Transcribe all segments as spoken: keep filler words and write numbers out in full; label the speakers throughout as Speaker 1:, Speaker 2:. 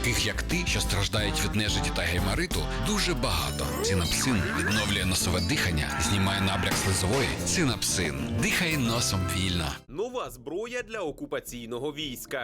Speaker 1: Таких, як ти, що страждають від нежиті та геймариту, дуже багато. Цинапсин відновлює носове дихання, знімає набряк слизової. Цинапсин. Дихай носом вільно.
Speaker 2: Нова зброя для окупаційного війська.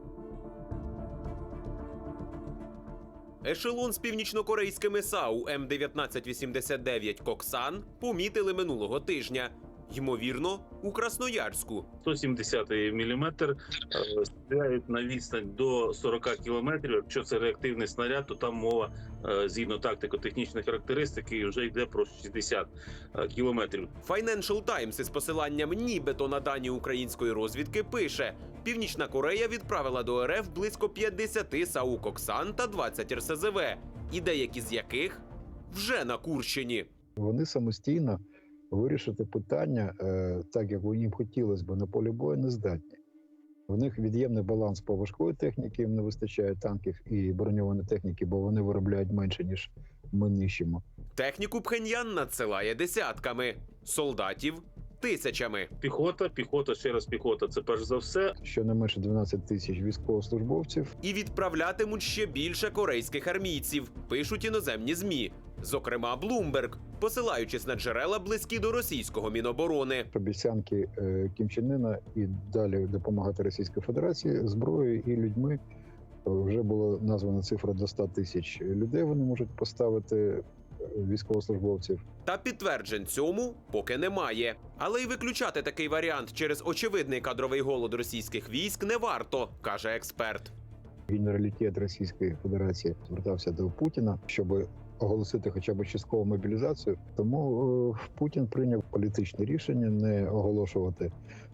Speaker 2: Ешелон з північнокорейськими САУ М дев'ятнадцять вісімдесят дев'ять «Коксан» помітили минулого тижня. Ймовірно, у Красноярську.
Speaker 3: сто сімдесятий міліметр е, стріляють на відстань до сорока кілометрів. Якщо це реактивний снаряд, то там мова, е, згідно тактико-технічної характеристики, вже йде про шістдесят кілометрів.
Speaker 2: Financial Times із посиланням нібито на дані української розвідки пише: Північна Корея відправила до РФ близько п'ятдесят САУ «Коксан» та двадцять Ер Се Зе Ве, і деякі з яких вже на Курщині.
Speaker 4: Вони самостійно вирішити питання, так як їм хотілося б, на полі бою не здатні. В них від'ємний баланс по важкої техніки, їм не вистачає танків і броньованої техніки, бо вони виробляють менше, ніж ми нищимо.
Speaker 2: Техніку Пхеньян надсилає десятками, солдатів – тисячами.
Speaker 3: Піхота, піхота, ще раз піхота – це перш за все.
Speaker 4: Щонайменше дванадцять тисяч військовослужбовців.
Speaker 2: І відправлятимуть ще більше корейських армійців, пишуть іноземні ЗМІ. Зокрема, Bloomberg, посилаючись на джерела, близькі до російського Міноборони.
Speaker 4: Обіцянки Кім Чен Ына і далі допомагати Російській Федерації зброєю і людьми. Вже була названа цифра до ста тисяч людей, вони можуть поставити військовослужбовців.
Speaker 2: Та підтверджень цьому поки немає. Але й виключати такий варіант через очевидний кадровий голод російських військ не варто, каже експерт.
Speaker 4: Генералітет Російської Федерації звертався до Путіна, щоб оголосити хоча б часткову мобілізацію. Тому Путін прийняв політичне рішення не оголошувати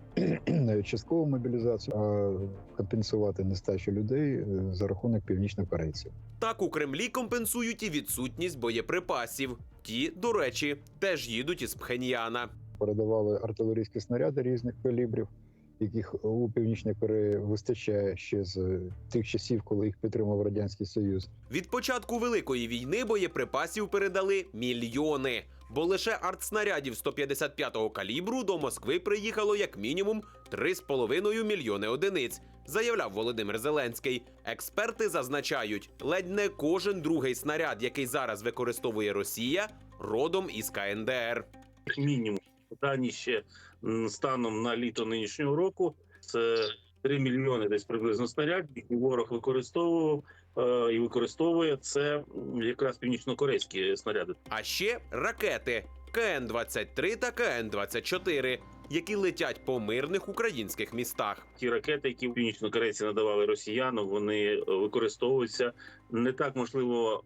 Speaker 4: навіть часткову мобілізацію, а компенсувати нестачу людей за рахунок північнокорейців.
Speaker 2: Так у Кремлі компенсують і відсутність боєприпасів. Ті, до речі, теж їдуть із Пхеньяна.
Speaker 4: Передавали артилерійські снаряди різних калібрів, яких у Північній Кореї вистачає ще з тих часів, коли їх підтримав Радянський Союз.
Speaker 2: Від початку Великої війни боєприпасів передали мільйони. Бо лише артснарядів сто п'ятдесят п'ятого калібру до Москви приїхало як мінімум три з половиною мільйони одиниць, заявляв Володимир Зеленський. Експерти зазначають, ледь не кожен другий снаряд, який зараз використовує Росія, родом із Ка Ен Де Ер.
Speaker 3: Мінімум. Дані ще станом на літо нинішнього року – це три мільйони десь приблизно снарядів, які ворог використовував е, і використовує. Це якраз північно-корейські снаряди.
Speaker 2: А ще ракети Ка Ен двадцять три та Ка Ен двадцять чотири, які летять по мирних українських містах.
Speaker 3: Ті ракети, які північно-корейці надавали росіянам, вони використовуються не так, можливо,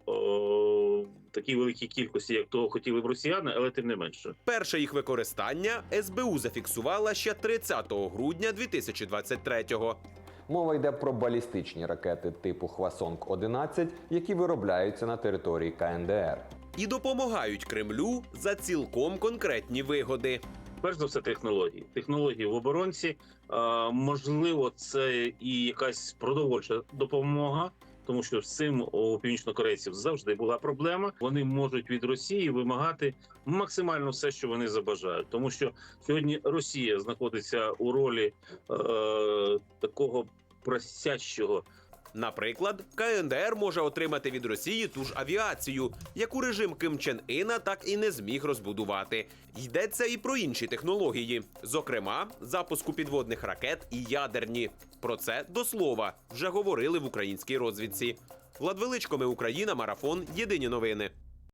Speaker 3: о, такій великій кількості, як того хотіли б росіяни, але тим не менше.
Speaker 2: Перше їх використання Ес Бе У зафіксувала ще тридцятого грудня дві тисячі двадцять третього.
Speaker 5: Мова йде про балістичні ракети типу Хвасонг одинадцять, які виробляються на території Ка Ен Де Ер.
Speaker 2: І допомагають Кремлю за цілком конкретні вигоди.
Speaker 3: Перш за все, технології. Технології в оборонці. А, можливо, це і якась продовольча допомога, тому що з цим у північнокорейців завжди була проблема. Вони можуть від Росії вимагати максимально все, що вони забажають. Тому що сьогодні Росія знаходиться у ролі е, такого просящого.
Speaker 2: Наприклад, Ка Ен Де Ер може отримати від Росії ту ж авіацію, яку режим Кім Чен Іна так і не зміг розбудувати. Йдеться і про інші технології, зокрема, запуску підводних ракет і ядерні. Про це, до слова, вже говорили в українській розвідці. Влад Величко, Ми Україна, Марафон, Єдині новини.